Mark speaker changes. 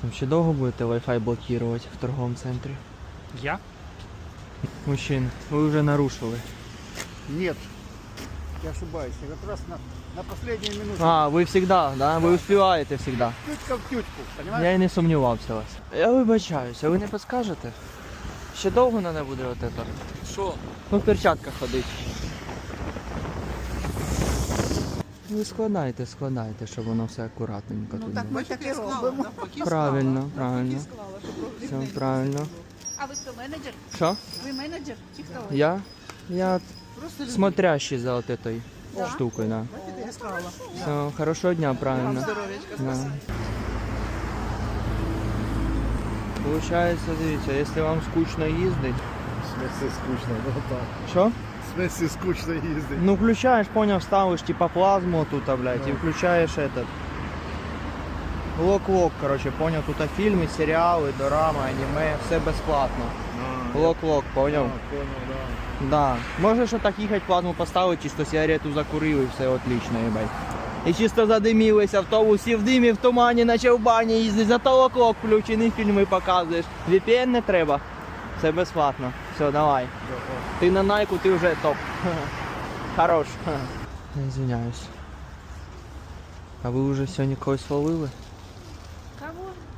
Speaker 1: Там ще довго будете Wi-Fi блокувати в торговому центрі?
Speaker 2: Я?
Speaker 1: Мужчин, ви вже нарушили.
Speaker 3: Нет, я ошибаюсь. Я как раз на последнюю минуту.
Speaker 1: А, ви всегда, да? Ви успіваєте всегда.
Speaker 3: Тютька в тютьку, понимаешь?
Speaker 1: Я і не сумнівався в вас. Я вибачаюся, ви не підскажете? Ще довго треба буде от це?
Speaker 2: Що?
Speaker 1: Ну, в перчатках ходить. Ви складайте, щоб воно все акуратненько тут було.
Speaker 4: Ми таке робимо.
Speaker 1: Правильно, правильно. Все правильно.
Speaker 4: А ви хто, менеджер?
Speaker 1: Що?
Speaker 4: Ви менеджер? Чи хто ви?
Speaker 1: Я смотрящий за вот этой штукой, да.
Speaker 4: Я склала.
Speaker 1: Все, хорошего дня, правильно. Да. Получается, дивіться, якщо вам скучно їздить.
Speaker 3: В смысле скучно, ну так.
Speaker 1: Що?
Speaker 3: В смысле скучно ездить.
Speaker 1: Ну включаєш, поняв, ставиш типа плазму тут, блядь, і включаєш этот. Лок-лок, короче, поняв, тут фільми, серіали, дорама, аніме, все безплатно. Лок-лок, поняв?
Speaker 3: Понял, да.
Speaker 1: Да. Можеш отак їхати, плазму поставити, чисто сигарету закурив і все отлично, їбать. І чисто задимілись, автобус і в димі, в тумані, наче в бані їздить, зато лок-лок включений, фільми показуєш. VPN не треба, все безплатно. Все, давай. Ти на Найку, ти вже топ. Хорош. Я извиняюсь. А ви вже сьогодні когось ловили?
Speaker 4: Кого?